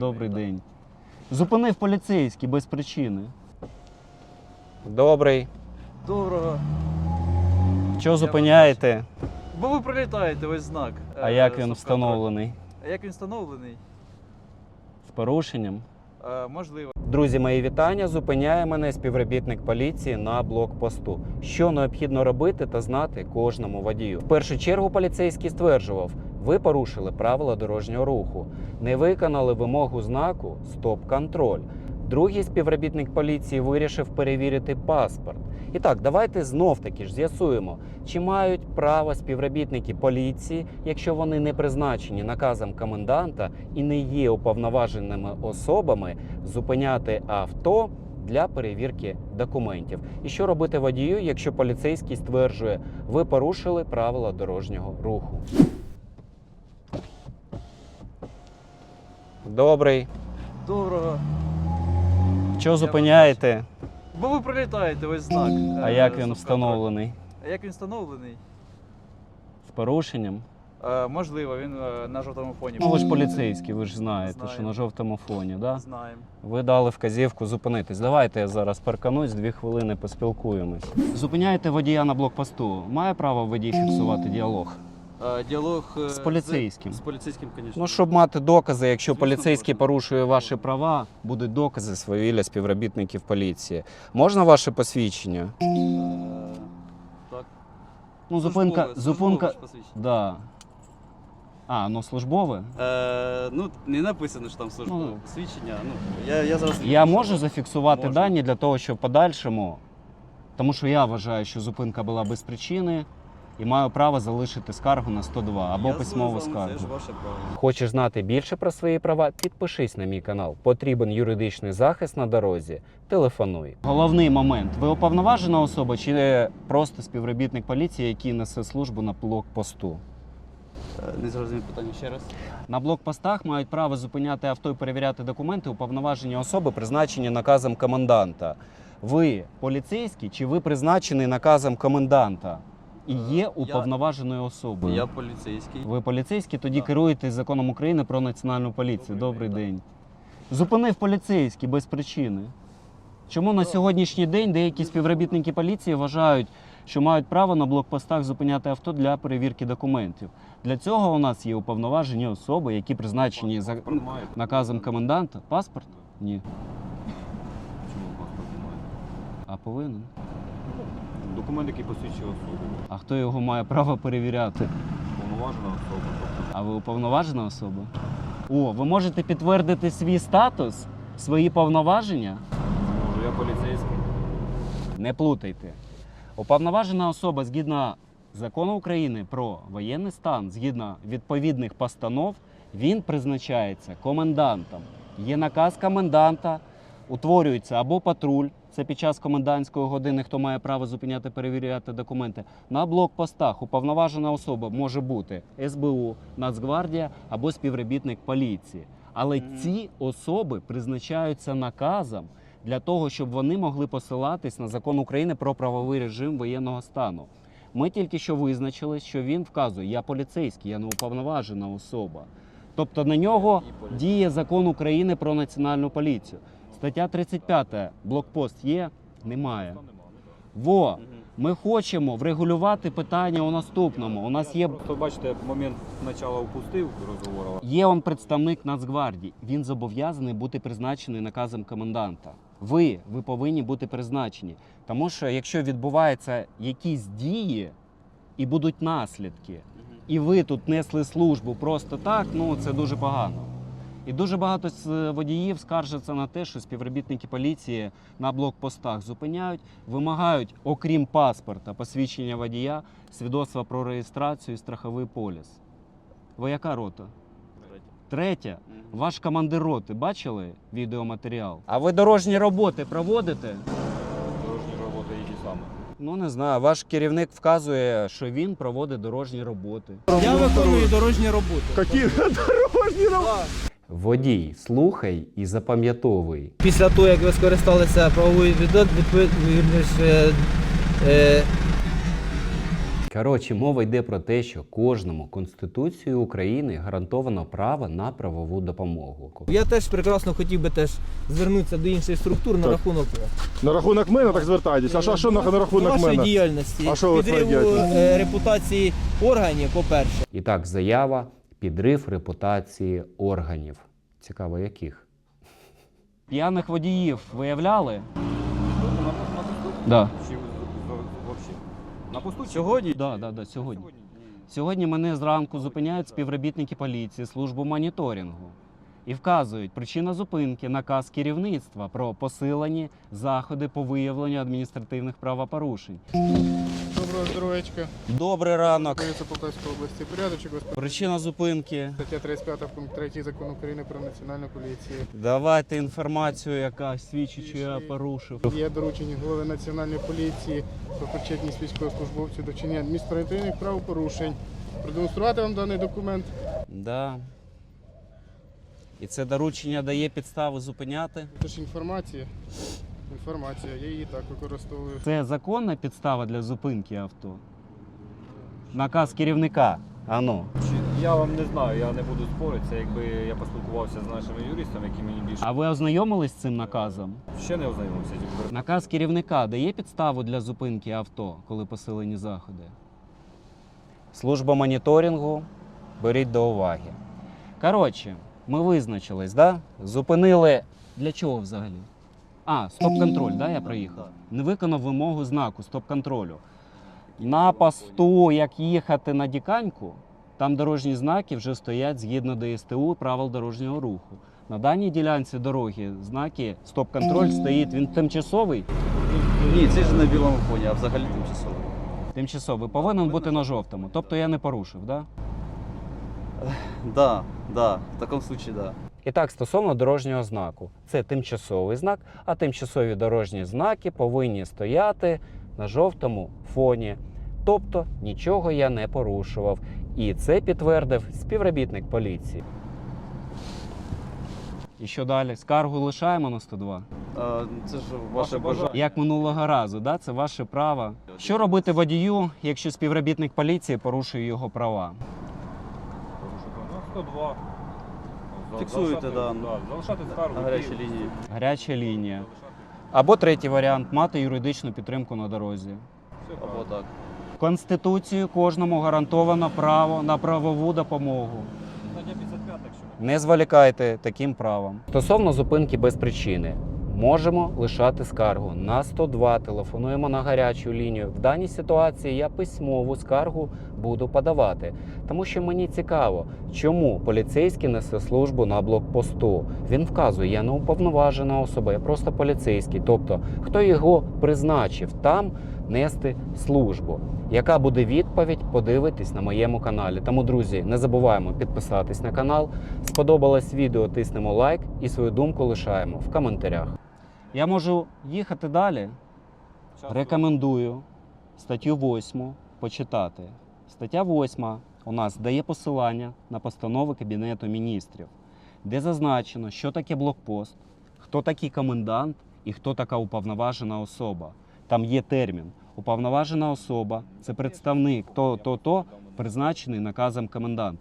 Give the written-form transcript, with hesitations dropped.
Добрий день. Зупинив поліцейський без причини. Добрий. Доброго. Чого зупиняєте? Бо ви прилітаєте, ось знак. А як він стоп-контроль. встановлений? А як він встановлений? З порушенням? Можливо. Друзі, мої вітання. Зупиняє мене співробітник поліції на блокпосту. Що необхідно робити та знати кожному водію. В першу чергу поліцейський стверджував, ви порушили правила дорожнього руху, не виконали вимогу знаку «Стоп-контроль». Другий співробітник поліції вирішив перевірити паспорт. І так, давайте знов-таки ж з'ясуємо, чи мають право співробітники поліції, якщо вони не призначені наказом коменданта і не є уповноваженими особами, зупиняти авто для перевірки документів. І що робити водію, якщо поліцейський стверджує, ви порушили правила дорожнього руху. Добрий. Доброго. Чого зупиняєте? Бо ви прилітаєте, ось знак. А як він стоп-контроль. встановлений? А як він встановлений? З порушенням? Можливо, він на жовтому фоні. Ну ви ж поліцейський, ви ж знаєте, Знаю. що на жовтому фоні, да? Знаємо. Ви дали вказівку зупинитись. Давайте я зараз парканусь, 2 хвилини поспілкуємось. Зупиняєте водія на блокпосту. Має право водій фіксувати діалог? Діалог З поліцейським. З поліцейським, звісно. Ну, щоб мати докази, якщо Звісно, поліцейський можна. порушує ваші права, будуть докази свавілля співробітників поліції. Можна ваше посвідчення? Так. Ну, зупинка. Службове ж посвідчення. Да. А, ну службове? Ну, не написано, що там службове Ну, посвідчення. Ну, я зараз... Я можу зафіксувати Можна. дані для того, щоб в подальшому, тому що я вважаю, що зупинка була без причини і маю право залишити скаргу на 102 або Я письмову з вами, Це ж скаргу. ваше право. Хочеш знати більше про свої права? Підпишись на мій канал. Потрібен юридичний захист на дорозі. Телефонуй. Головний момент. Ви уповноважена особа чи просто співробітник поліції, який несе службу на блокпосту? Не зрозумів питання ще раз. На блокпостах мають право зупиняти авто і перевіряти документи уповноважені особи, призначені наказом коменданта. Ви поліцейський чи ви призначений наказом коменданта і є уповноваженою особою? Я поліцейський. Ви поліцейський, тоді Так. керуєтесь законом України про національну поліцію. Добрий Добрий день. Зупинив поліцейський без причини. Чому на сьогоднішній день деякі співробітники поліції вважають, що мають право на блокпостах зупиняти авто для перевірки документів? Для цього у нас є уповноважені особи, які призначені за наказом коменданта. Паспорт? Ні. Чому паспорт немає? А повинен. Документ, який посвідчує особу. А хто його має право перевіряти? Повноважена особа. Тобто А ви уповноважена особа? О, ви можете підтвердити свій статус, свої повноваження? може я поліцейський. Не плутайте. Уповноважена особа згідно закону України про воєнний стан, згідно відповідних постанов, він призначається комендантом. Є наказ коменданта, утворюється або патруль, це під час комендантської години, хто має право зупиняти, перевіряти документи. На блокпостах уповноважена особа може бути СБУ, Нацгвардія або співробітник поліції. Але ці особи призначаються наказом для того, щоб вони могли посилатись на закон України про правовий режим воєнного стану. Ми тільки що визначили, що він вказує, я поліцейський, я не уповноважена особа. Тобто на нього діє закон України про національну поліцію. Стаття 35. Блокпост є? Немає. Во! Ми хочемо врегулювати питання у наступному. У нас є Просто бачите, я момент спочатку впустив розговору. Є он представник Нацгвардії. Він зобов'язаний бути призначений наказом коменданта. Ви повинні бути призначені. Тому що якщо відбуваються якісь дії і будуть наслідки, і ви тут несли службу просто так, ну це дуже погано. І дуже багато водіїв скаржаться на те, що співробітники поліції на блокпостах зупиняють, вимагають, окрім паспорта, посвідчення водія, свідоцтва про реєстрацію і страховий поліс. Ви яка рота? Третя. Ваш командир роти бачили відеоматеріал? А ви дорожні роботи проводите? Дорожні роботи які саме. Ну, не знаю, ваш керівник вказує, Що він проводить дорожні роботи. Я виконую дорожні роботи. водій, слухай і запам'ятовуй. Після того, як ви скористалися правовою Коротше, мова йде про те, що кожному Конституцією України гарантовано право на правову допомогу. Я теж прекрасно хотів би теж звернутися до інших структур на Так. рахунок На рахунок мене так звертайтесь. А що на рахунок вашої мене? діяльності, А що ви підриву своєю репутації органів, по-перше. І так, заява підрив репутації органів. Цікаво, яких? П'яних водіїв виявляли? На посту? Да. Чи взагалі? На посту? Сьогодні? Да, сьогодні. Сьогодні мене зранку зупиняють співробітники поліції, службу моніторингу. І вказують, причина зупинки – наказ керівництва про посилені заходи по виявленню адміністративних правопорушень. Доброго здоров'ячка. Добрий ранок. Поліція Полтавської області. Порядочок, господи. Причина зупинки. Стаття 35 пункт 3 Закону України про національну поліцію. Давайте інформацію, яка свідчить, що я порушив. Є доручення голови національної поліції про причетність військовослужбовців до вчинення адміністративних правопорушень. Продемонструвати вам даний документ. Да. І це доручення дає підстави зупиняти. Це ж інформація. Інформація, я її так використовую. Це законна підстава для зупинки авто? Наказ керівника. Ану. Я вам не знаю, я не буду спорити. Це якби я поспілкувався з нашими юристами, які мені більше А ви ознайомились з цим наказом? ще не ознайомився. Наказ керівника дає підставу для зупинки авто, коли посилені заходи? Служба моніторингу, беріть до уваги. Коротше, ми визначились, да? Зупинили. Для чого взагалі? А, стоп-контроль, да, я проїхав? Не виконав вимогу знаку стоп-контролю. На посту, як їхати на Діканьку, там дорожні знаки вже стоять згідно ДСТУ правил дорожнього руху. На даній ділянці дороги знаки стоп-контроль стоїть, він тимчасовий. Ні, це ж на білому фоні, а взагалі тимчасово. Тимчасовий повинен бути на жовтому. Тобто я не порушив, да? Да, в такому випадку, да. І так, стосовно дорожнього знаку. Це тимчасовий знак, а тимчасові дорожні знаки повинні стояти на жовтому фоні. Тобто нічого я не порушував. І це підтвердив співробітник поліції. І що далі? Скаргу лишаємо на 102? Це ж ваше бажання. Як минулого разу, да? Це ваше право. Що робити водію, якщо співробітник поліції порушує його права? Ну, 102. Фіксуєте, да. Залишати скаргу. На гарячій лінії. Гаряча лінія. Або третій варіант мати юридичну підтримку на дорозі. Або так. Конституцією кожному гарантовано право на правову допомогу. Стаття 55, якщо не Не зволікайте таким правом. Стосовно зупинки без причини. Можемо лишати скаргу на 102, телефонуємо на гарячу лінію. В даній ситуації я письмову скаргу буду подавати, тому що мені цікаво, чому поліцейський несе службу на блокпосту. Він вказує, я не уповноважена особа, я просто поліцейський. Тобто, хто його призначив там нести службу? Яка буде відповідь, подивитись на моєму каналі. Тому, друзі, не забуваємо підписатись на канал. Сподобалось відео, тиснемо лайк і свою думку лишаємо в коментарях. Я можу їхати далі. Рекомендую статтю 8 почитати. Стаття 8 у нас дає посилання на постанови Кабінету міністрів, де зазначено, що таке блокпост, хто такий комендант і хто така уповноважена особа. Там є термін. Уповноважена особа – це представник то, призначений наказом коменданта.